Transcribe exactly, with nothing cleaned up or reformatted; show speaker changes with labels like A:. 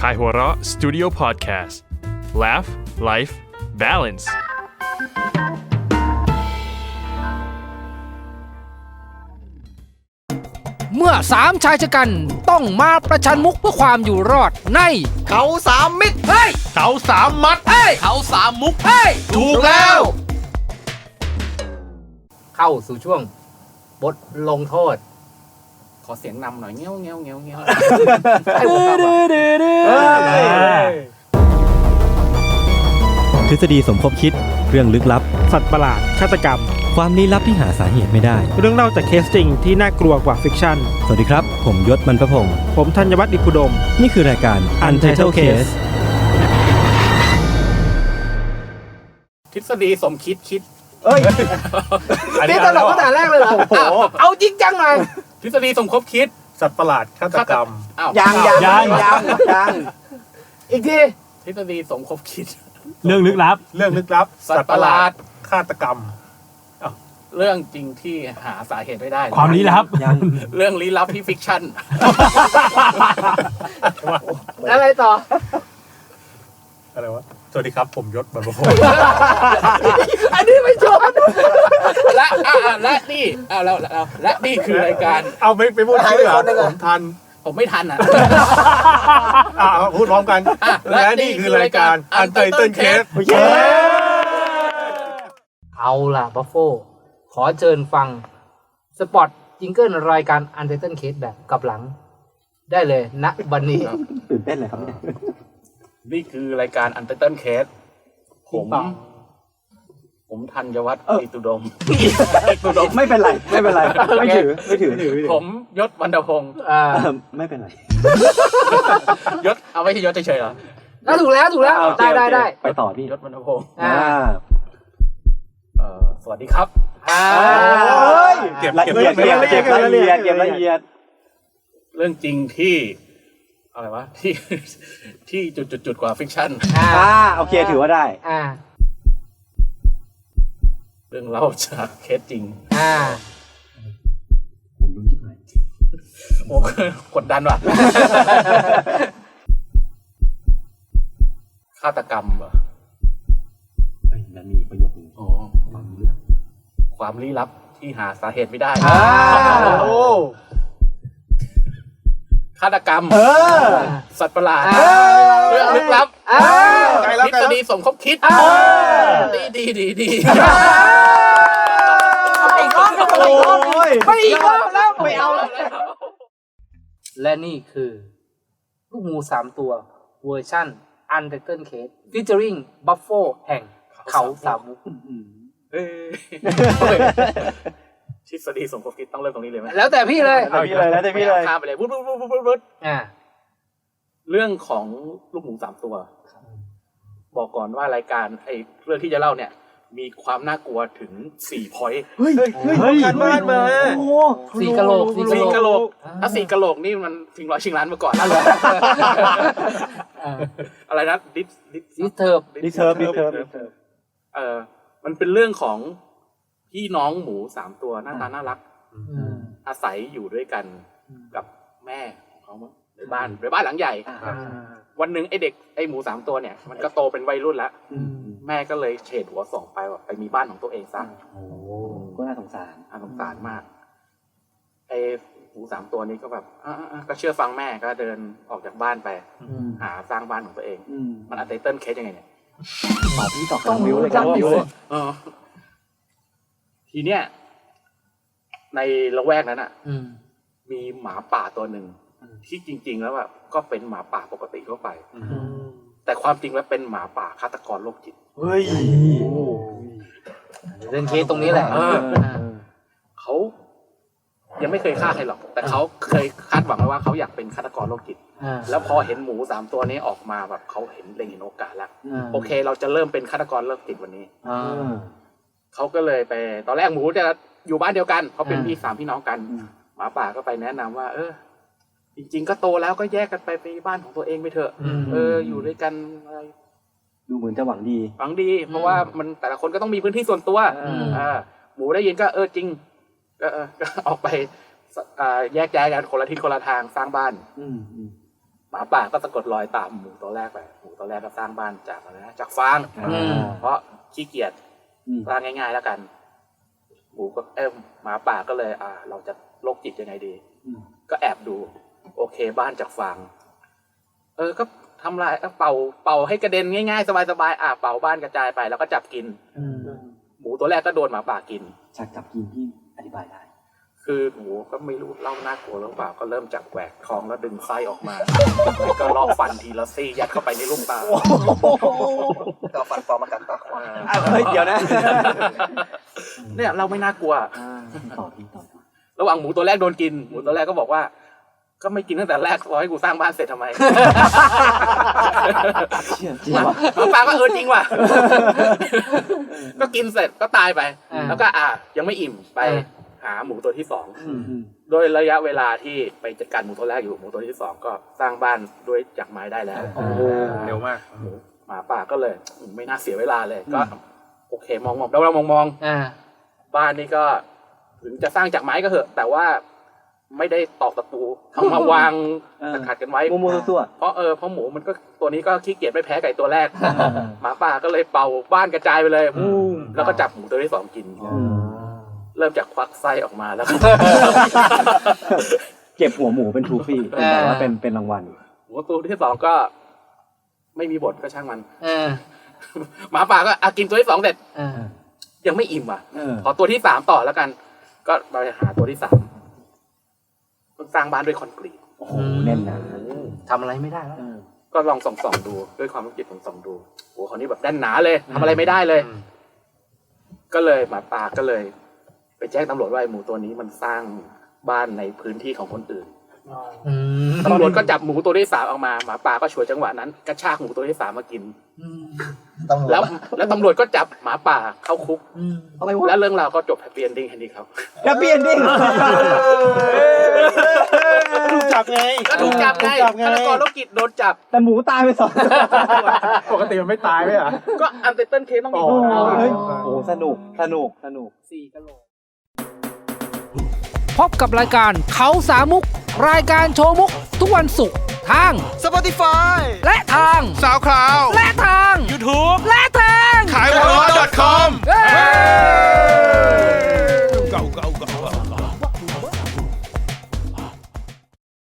A: Kaihura Studio Podcast Laugh Life Balance
B: เมื่อสามชายชะกันต้องมาประชันมุกเพื่อความอยู่รอดใน
C: เขาสามมิตร
B: เฮ้ย
C: เขาสามมัด
B: เฮ้ย
C: เขาสามมุก
B: เฮ้ย
C: ถูกแล้ว
B: เข้าสู่ช่วงบทลงโทษขอเสียงนำหน่อยเงี้ยวเงี้ยวเงี้ยวเงี้ยวให้ผมฟัง
D: ทฤษฎีสมคบคิดเรื่องลึกลับ
E: สัตว์ประหลาดฆาตกรรม
D: ความลี้ลับที่หาสาเหตุไม่ได้
E: เรื่องเล่าจากเคสจริงที่น่ากลัวกว่าฟิกชั่น
D: สวัสดีครับผมยศมันประพงษ์
E: ผมธัญวัฒน์อิพุดม
D: นี่คือรายการ Untitled Case
B: ทฤษฎีสมคิดคิด
C: เอ้ย
B: นี่ตลกตั้งแต่แรกเลยเหรอเอาจริงจังหน่อยทฤษฎีสมคบคิด
E: สัตว์ประหลาดฆาตกรรม
C: ยังยังยังยังยัง
B: อีกทีทฤษฎีสมคบคิด
D: เรื่องลึกลับ
E: เรื่องลึกลับ
B: สัตว์ประหลาด
E: ฆาตกรรม
B: เรื่องจริงที่หาสาเหตุไม่ได้
D: ความลี้ลับ
B: เรื่องลี้ลับที่ฟิกชั่นอะไรต่อ
E: อะไรวะสวัสดีครับผมยศมันประพงษ์
B: อันนี้ไม่ชอบและอ่าและนี่อ่าแล้วแล้วและนี่คือรายการ
E: เอาไม่ไปพูดชื่อผมทัน
B: ผมไม่ทันอ่ะ
E: อ่าพูดพร้อมกันและนี่คือรายการ Untitled Case
B: เอาล่ะบัฟโฟขอเชิญฟังสปอตจิงเกิลรายการ Untitled Case แบบกลับหลังได้เลยณบัดนี้
D: ตื่นเต้นเลยครับ
B: นี่คือรายการ Untitled Case ผมผมธัญวัฒน์อิตุดม
D: อิตุดมไม่เป็นไรไม่เป็นไรไม่ถือไม่ถือ
B: ผมยศวรรณพงศ์
D: อ่าไม่เป็นไร
B: ยศเอาไว้ที่ยศเฉยๆเหรอได้ถูกแล้วถูกแล้วได้ได้ได้
D: ไปต่อพี่
B: ยศวรรณพงศ์
D: อ่า
B: เอ่อสวัสดีครับ
D: อ่าเก็บละเอียดเก็บเก็บละเอียดเก็บละเอียด
B: เรื่องจริงที่อะไรวะที่ที่จุดๆๆกว่าฟิกชั่น
D: อ่าโอเคถือว่าได้อ่า
B: เรื่องเล่าจากเคสจริงอ่า
D: ผมรู้ที่ไหน
B: โอ้กดดันว่ะฆาตกรรมเหรอ
D: ไอ้นั่นมีประโยคนึง
B: อ๋อความลี้ลับความลี้ลับที่หาสาเหตุไม่ได้
D: อ่าโอ้
B: ฆาตกรรม
D: เออ
B: สัตว์ประหลาดเรื่องลึกลับทฤษฎีสมคบคิดดีดีดีดีไปอีกรอบไปอีกรอบไปอีกรอบแล้วไม่เอาแล้วและนี่คือลูกงูสามตัวเวอร์ชั่น Untitled Case featuring Buffalo แห่งเขาสามมุกทฤษฎีสมคบคิดต้องเริ่มตรงนี้เลยไหมแล้วแต่พี่เลย
D: แล้วแต่พี่เลยแล้วแต่พี่เลย
B: ข้ามไปเลยวุ้ดวุ้ดวุ้ดวุ้ดวุ้ดอ่าเรื่องของลูกหมูสามตัวบอกก่อนว่ารายการไอ้เรื่องที่จะเล่าเนี่ยมีความน่ากลัวถึงสี่พอยต์
D: เฮ้ยเฮ้ยการบ้านมา
B: โอ้สี่กะโหลกสี่กะโหลกถ้าสี่กะโหลกนี่มันชิงร้อยชิงล้านมาก่อนอะไรนะดิสดิสดิสเทิร์บ
D: ดิสเทิร์บดิสเทิร์บ
B: เออมันเป็นเรื่องของพี่น้องหมูสามตัวหน้าตาน่ารักอาศัยอยู่ด้วยกันกับแม่ของเขาในบ้านในบ้านหลังใหญ่วันหนึ่งไอเด็กไอหมูสามตัวเนี่ยมันก็โตเป็นวัยรุ่นแล้วแม่ก็เลยเฉดหัวส่งไปว่าไปมีบ้านของตัวเองซะ
D: โอ้ก็น่าสงสาร
B: น่าสงสารมากไอหมูสามตัวนี้ก็แบบก็เชื่อฟังแม่ก็เดินออกจากบ้านไปหาสร้างบ้านของตัวเองมันอัลไทเทิลเคสยังไงเนี่ย
D: ตอบพี่ตอบต้องวิวเลยครับวิวเลย
B: ทีเนี้ยในละแวกนั้นอ่ะมีหมาป่าตัวหนึ่งที่จริงๆแล้วแบบก็เป็นหมาป่าปกติทั่วไปแต่ความจริงแล้วเป็นหมาป่าฆาตกรโรคจิต
D: เฮ้ย
B: เรื่องเคสตรงนี้แหละเขายังไม่เคยฆ่าใครหรอกแต่เขาเคยคาดหวังไว้ว่าเขาอยากเป็นฆาตกรโรคจิตแล้วพอเห็นหมูสามตัวนี้ออกมาแบบเขาเห็นเล็งเห็นโอกาสแล้วโอเคเราจะเริ่มเป็นฆาตกรโรคจิตวันนี้เขาก็เลยไปตอนแรกหมูจะอยู่บ้านเดียวกันเขาเป็นพี่สามพี่น้องกันหมาป่าก็ไปแนะนำว่าเออจริงๆก็โตแล้วก็แยกกันไปไปบ้านของตัวเองไปเถอะเอออยู่ด้วยกันอะไร
D: ดูเหมือนจะหวังดี
B: หวังดีเพราะว่ามันแต่ละคนก็ต้องมีพื้นที่ส่วนตัวอ่าหมูได้ยินก็เออจริงก็เออก็ออกไปแยกย้ายกันคนละทิศคนละทางสร้างบ้านหมาป่าก็สะกดรอยตามหมูตัวแรกไปหมูตัวแรกก็สร้างบ้านจากอะไรนะจากฟางเพราะขี้เกียจสร้างง่ายๆแล้วกันหมูก็เอ้หมาป่าก็เลยอ่าเราจะโรคจิตยังไงดีก็แอบดูโอเคบ้านจากฟางเออก็ทำลายเป่าเป่าให้กระเด็นง่ายๆสบายๆอ่าเป่าบ้านกระจายไปแล้วก็จับกินหมูตัวแรกก็โดนหมาป่ากิน
D: จากจับกินที่อธิบายได้
B: คือหมูก็ไม่รู้เล่าน่ากลัวหรือเปล่าก็เริ่มจากแหวกท้องแล้วดึงไส้ออกมาแล้วก็ลอกฟันทีละซี่ยัดเข้าไปในลูกตาก็ฟันปลอมมากัดตาขวา
D: เดี๋ยวนะ
B: เนี่ยเราไม่น่ากลัว
D: ต่อที่ต่อ
B: ระหว่างหมูตัวแรกโดนกินหมูตัวแรกก็บอกว่าก็ไม่กินตั้งแต่แรกรอให้กูสร้างบ้านเสร็จทำไม
D: จริงว่ะ
B: หมาป่าก็เออจริงว่ะก็กินเสร็จก็ตายไปแล้วก็อ่ะยังไม่อิ่มไปหาหมูตัวที่สองโดยระยะเวลาที่ไปจัดการหมูตัวแรกอยู่หมูตัวที่สองก็สร้างบ้านด้วยจากไม้ได้แล้ว
E: เร็วมาก
B: หมาป่าก็เลยไม่น่าเสียเวลาเลยก็โอเคมองมองแล้วเรามองมองบ้านนี่ก็ถึงจะสร้างจากไม้ก็เถอะแต่ว่าไม่ได้ตอกตะปูทำมาวางขัดกันไว้
D: มัวๆตัว
B: เพราะเออเพราะหมูมันก็ตัวนี้ก็ขี้เกียจไม่แพ้ไก่ตัวแรกหมาป่าก็เลยเป่าบ้านกระจายไปเลยแล้วก็จับหมูตัวที่สองกินเริ่มจากควักไส้ออกมาแล้ว
D: เก็บหัวหมูเป็นทรูฟี่แต่ว่าเป็นเป็นรางวัล
B: หมูตัวที่สองก็ไม่มีบทก็ช่างมันหมาป่าก็อากินตัวที่สองเสร็จยังไม่อิ่มอ่ะขอตัวที่สามต่อแล้วกันก็ไปหาตัวที่สามสร้างบ้านด้วยคอนกรีต
D: โอ้โหแน่นนะ
C: ทำอะไรไม่ได้แล้ว
B: ก็ลองส่องๆดูด้วยความรู้จิตผมส่องดูโอ้คราวนี้แบบแน่นหนาเลยทำอะไรไม่ได้เลยก็เลยหมาป่าก็เลยไปแจ้งตำรวจว่าไอ้หมูตัวนี้มันสร้างบ้านในพื้นที่ของคนอื่นตำรวจก็จับหมูตัวที่สามออกมาหมาป่าก็ฉวยจังหวะนั้นกระชากหมูตัวที่สามมากินแล้วแล้วตำรวจก็จับหมาป่าเข้าคุกแล้วเรื่องราวก็จบแฮปปี้เอนดิ้งแค่นี้ครับ
D: แฮปปี้เอนดิ้ง
C: ถูกจับไง
B: ก็ถูกจับไงฆาตกรโรคจิตโดนจับ
D: แต่หมูตายไปสอง
E: ปกติมันไม่ตายไหมอ่ะ
B: ก็อันเตอร์เคสต้องมี
D: โอ้สนุกสนุกสนุก
B: สี่กะโหลก
F: พบกับรายการเขาสามมุกรายการโชว์มุกทุกวันศุกร์ทาง
C: Spotify
F: และทาง
C: SoundCloud
F: และ